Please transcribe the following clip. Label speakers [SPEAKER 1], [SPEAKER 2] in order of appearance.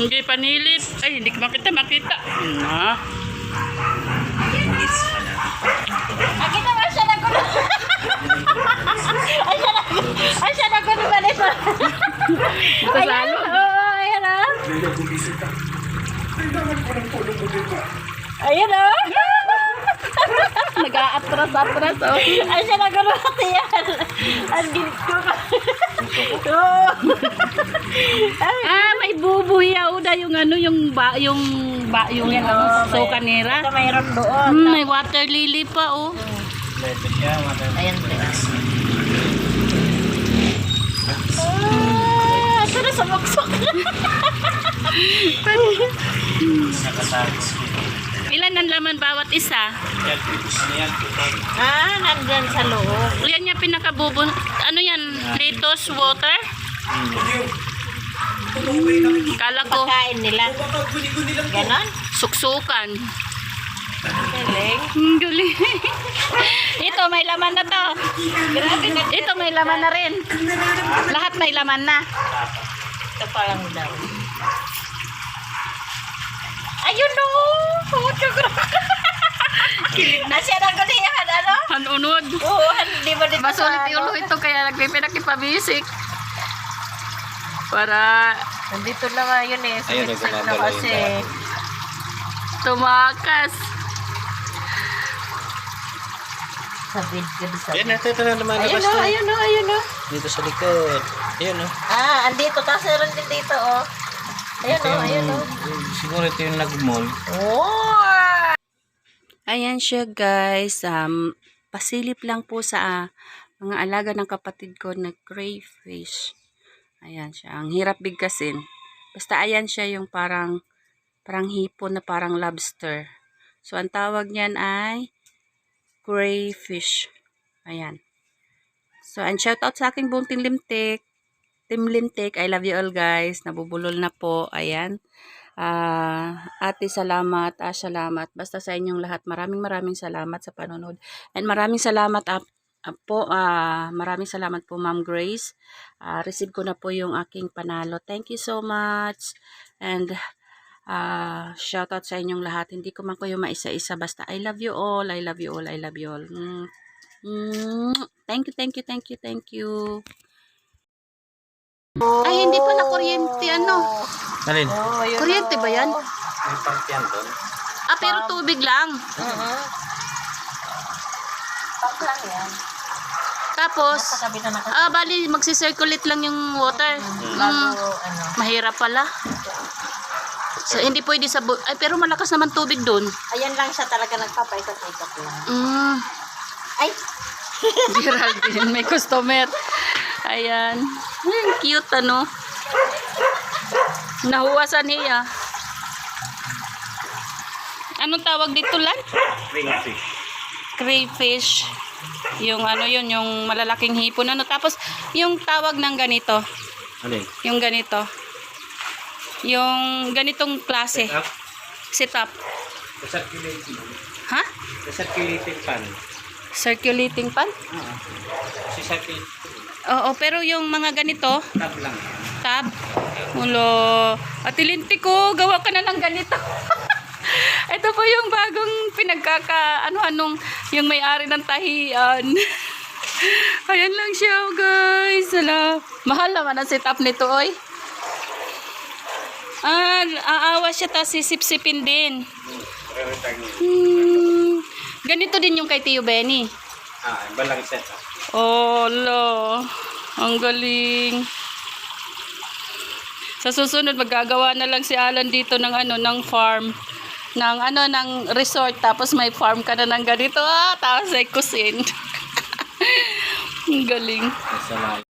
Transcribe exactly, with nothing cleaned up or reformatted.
[SPEAKER 1] Hindi panilip. Ay, hindi ko makita, makita. Na.
[SPEAKER 2] Nakita ba siya na gulo? Ay, siya na Ay, siya na gulo ba nito? Ayan, oo, ayan ah. Ayan ah.
[SPEAKER 1] Nag-aatras-atras, oh.
[SPEAKER 2] Ay, siya na gulo pati yan. Ang gilit ko ka. Oo.
[SPEAKER 1] Ah, may bubuyaw na yung ano, yung ba, yung ba, yung yan, ano, so kanira.
[SPEAKER 2] Ito mayroon doon.
[SPEAKER 1] Hmm, may water lily pa, oh.
[SPEAKER 2] Ayan, please. Ah, ito na sumaksok.
[SPEAKER 1] Ilan ang laman bawat isa?
[SPEAKER 2] Ah, nandyan sa loob.
[SPEAKER 1] Yan yung pinakabubon. Ano yan? Lettuce water? Kala ko,
[SPEAKER 2] Pagkain nila. Ganon?
[SPEAKER 1] suksukan.
[SPEAKER 2] Galing.
[SPEAKER 1] Ang galing. Ito, may laman na to.
[SPEAKER 2] Grabe na.
[SPEAKER 1] Ito, may laman na rin. Lahat may laman na.
[SPEAKER 2] Ito pa lang daw. Ayun no! Puto ko. Kilig na siya ng kaniyan, ano?
[SPEAKER 1] Hanunod.
[SPEAKER 2] Oo, hindi mo dito
[SPEAKER 1] Masulit yung ulo ito, kaya nagpipinakipabisik. Para
[SPEAKER 2] Nandito na nga yun eh.
[SPEAKER 3] Ayun,
[SPEAKER 2] Sumiksik na
[SPEAKER 3] nagmamalayo
[SPEAKER 2] kasi.
[SPEAKER 3] na.
[SPEAKER 1] tumakas.
[SPEAKER 2] Sabid ka sa
[SPEAKER 3] Yan, ito, ito na naman.
[SPEAKER 2] Ayun o, ayun o, ayun o.
[SPEAKER 3] Dito sa likod. Ayun o.
[SPEAKER 2] Ah, andito. Tapos meron din dito o. Ayun o, ayun o.
[SPEAKER 3] Siguro ito yung nag-mall.
[SPEAKER 2] Oh!
[SPEAKER 1] Ayan siya guys. Um, pasilip lang po sa uh, mga alaga ng kapatid ko na crayfish. Ayan siya. Ang hirap bigkasin. Basta ayan siya yung parang parang hipon na parang lobster. So ang tawag niyan ay crayfish. Ayan. So and shout out sa aking buong Team Limtik. Team Limtik, I love you all guys. Nabubulol na po. Ayan. Uh, ate salamat, ah salamat. Basta sa inyong lahat, maraming maraming salamat sa panonood. And maraming salamat uh, uh, po, uh, maraming salamat po Ma'am Grace. Uh, receive ko na po yung aking panalo. Thank you so much. And uh, shout out sa inyong lahat. Hindi ko man kayo maisa-isa. Basta I love you all, I love you all, I love you all. Mm. Mm. Thank you, thank you, thank you, thank you. Ay, hindi pala kuryente, ano?
[SPEAKER 3] Alin?
[SPEAKER 2] Oh, ayun
[SPEAKER 1] Kuryente ba yan?
[SPEAKER 3] May pump yan doon.
[SPEAKER 1] Ah, pero tubig lang.
[SPEAKER 2] Uh-huh. Pump lang yan.
[SPEAKER 1] Tapos,
[SPEAKER 2] Nasa tabi na nakasama.
[SPEAKER 1] ah, bali, magsisirculate lang yung water.
[SPEAKER 2] Bago,
[SPEAKER 1] Mm,
[SPEAKER 2] ano.
[SPEAKER 1] mahirap pala. So, hindi pwede sa... bu- Ay, pero malakas naman tubig doon.
[SPEAKER 2] Ayan lang siya talaga nagpapaikat-ikat lang.
[SPEAKER 1] Mm,
[SPEAKER 2] Ay!
[SPEAKER 1] Geraldine, may customer. Ayan. Hmm, cute, ano? Nahuwasan niya. Anong tawag dito, Lan?
[SPEAKER 3] Crayfish.
[SPEAKER 1] Crayfish. Yung ano yun, yung malalaking hipon. Ano? Tapos, yung tawag ng ganito.
[SPEAKER 3] Alin?
[SPEAKER 1] Yung ganito. Yung ganitong klase.
[SPEAKER 3] Up.
[SPEAKER 1] Sit up.
[SPEAKER 3] The circulating.
[SPEAKER 1] Ha?
[SPEAKER 3] The circulating pan.
[SPEAKER 1] Circulating pan?
[SPEAKER 3] Oo. Si circulating.
[SPEAKER 1] Oo, pero yung mga ganito,
[SPEAKER 3] Tab lang.
[SPEAKER 1] tab. Ulo. Atilinti ko, gawa ka na ng ganito. Ito po yung bagong pinagkaka, ano, anong, yung may-ari ng tahian. Ayan lang siya, guys. Hala. Mahal naman ang setup nito, oy. Ah, aawa siya, tapos sisip-sipin din. Hmm. Ganito din yung kay Tio Benny.
[SPEAKER 3] Ah, balang set up.
[SPEAKER 1] Oh, lo. Ang galing. Sa susunod magagawa na lang si Alan dito ng ano, ng farm, ng ano, ng resort, tapos may farm ka na ng ganito. Ah, tapos ay kusin. Ang galing.
[SPEAKER 3] Nasa live.